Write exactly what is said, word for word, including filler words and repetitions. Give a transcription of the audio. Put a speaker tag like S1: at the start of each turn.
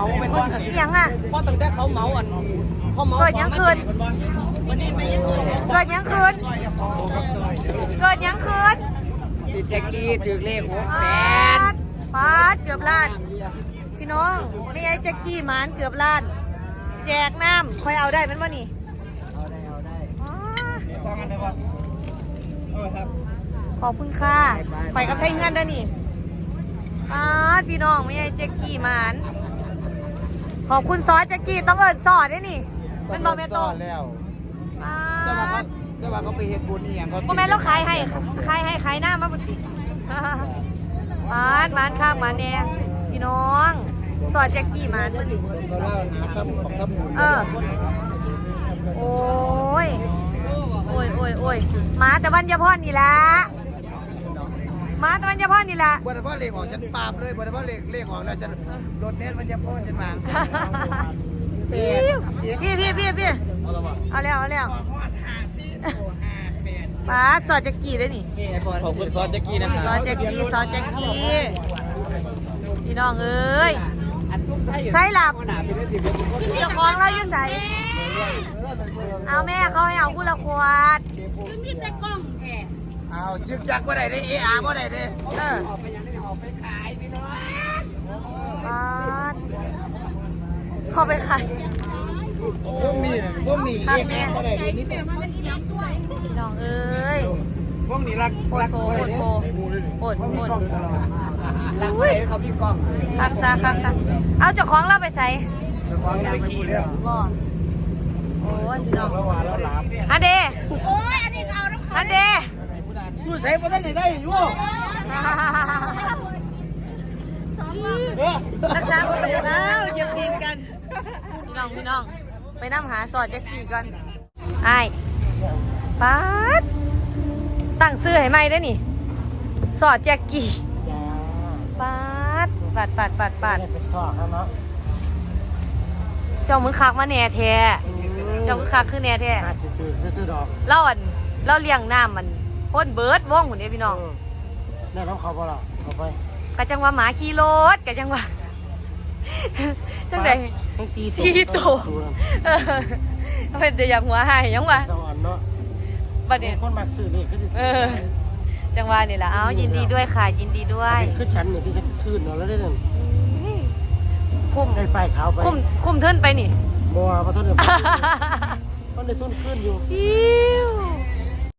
S1: มาเป็นวัน
S2: ยังอ่ะ
S1: เพราะตั้งแต่เขาเมาอันเขาเมา
S2: เกิดยังคืน
S1: วันนี้ไม่ยังคืน
S2: เกิดยังคืนเกิดยังคืน
S3: พี่แจ็กกี้ถือเลขหกแส
S2: ปาน ดปาดเกือบล้านพี่น้องไม่ไอ้แจ็กกี้หมานเกือบล้าน แจกน้ำคอยเอาได้เป็นว่านี่
S3: เอาได้เอาได้
S2: อ๋อ
S1: สองอันเลยป่ะเออครับ
S2: ขอบคุณค่ะคอยกับไทยเงินได้อนี่ปาดพี่น้องไม่ไอ้แจ็กกี้หมานขอบคุณซอสแจ็กกี้ต้องเอิญซอสด้วยนี่เป็นบอแม่ตรง
S1: แล้ว
S2: ปา
S1: เจ้าว่าเขา
S2: ด
S1: เจ้าว่าเขาไปเฮ็ดบุญนี่อย่างเขา
S2: โมแม่นเราขายให้ขายให้ขายหน้ามาบุตรมานมานข้างมาแน่พี่น้องสอดแจ็กกี้มานมาดิ
S1: เราเล่าหาทำของทำบุญ
S2: เออโอ้ยโอ้ยโอ้ยโอ้ยมาแต่วันยาพรนี่ละมาแต่วันยาพรนี่ละ
S1: บัวตะพ่อเลขออกฉันปามเลยบัวตะพ่อเลขเลขออกแล้วฉันรถเน็ตมันจะพ่อฉันวาง
S2: พี่พี่พี่พี่เอาแล้วเอาแล้วป้าสอดแจ็กกี้เลยนี่
S3: นี่ไอ้บอล
S1: ขอบคุณซอสแจ็กกี้นะค
S2: ซ
S1: รั
S2: อบ สแจ็กกี้ซอสแจ็กกี้พี่น้องเอ้ย
S3: อันทุ่มไทย
S2: ใส่หลับ
S3: หนาเป็นได้สิบเอ็ดคน
S2: เจ้าของเราอยู่ใส่เอาแม่เขาให้เอาคู่ละขวด
S1: เอายึกยักบ่ได้เด้เออาบ่ได้เด้
S2: เออ
S3: ออกไปยังได้ออกไปขายพี่น้อง
S2: ปาดเข้าไปขาย
S1: พวกนี้พวกนี้เออาบ่ได้เด้นิดเดียว
S2: พี่น้องเอ้ย
S1: พวกนี้รัก
S2: โปดโพโปดโพโปดโปด
S3: หลังไปเขาพี่กล้อง
S2: คักซะคักซะเอาเจ้าของเราไปใส่
S1: ของไปขี่แล้ว
S2: บ่โอ้ยพี่น้อง
S1: ระหว่างเราหลับ
S2: ฮันเดโอ้ยอันนี้เอาฮันเด
S1: อยู่ใส่บ่ได้ได้อยู่
S2: รักษาคนเดียวแล้วเย็บดินกันพี่น้องพี่น้องไปนั่งหาสอดแจ็กกี้กันไอ้ปาดตั้งซื้อให้ไหมได้นี่สอดแจ็กกี้ปาดปาดปาดปาดปาด
S1: เป็นซอกครับเนาะ
S2: เจ้ามือคักมาแหน่แท้เจ้ามือคักคือแหน่แท้
S1: อาจจะตื่นซื้อดอก
S2: เล่าอันเล่าเลี้ยงน้ำมันพ่นเบิร์ดว่องหุ่นเด้พี่น้อง
S1: ได้น้องเขาบ่ล่ะเอาไป
S2: กะจังว่าหมาขี่รถกะจังว่าจังได
S1: ทั้งสี่
S2: สีโตเออเป็นแต่อยากหัวหายยังวะ
S1: สวรรค์เนาะ
S2: บัดนี้
S1: คนมักซื้อเลขก็จะ
S2: เออจังหวะนี่แหละเอายินดีด้วยค่ะยินดีด้วย
S1: คือฉันเนี่ยที่จะคืนเนาะแล้วได้นั่น
S2: คุ้ม
S1: ได้ป้ายขาวไป
S2: คุ้มคุ้มเทินไปนี่
S1: บัวพระท่านเดี๋ยวมันได้ทุนขึ้นอยู่
S2: อิ้ว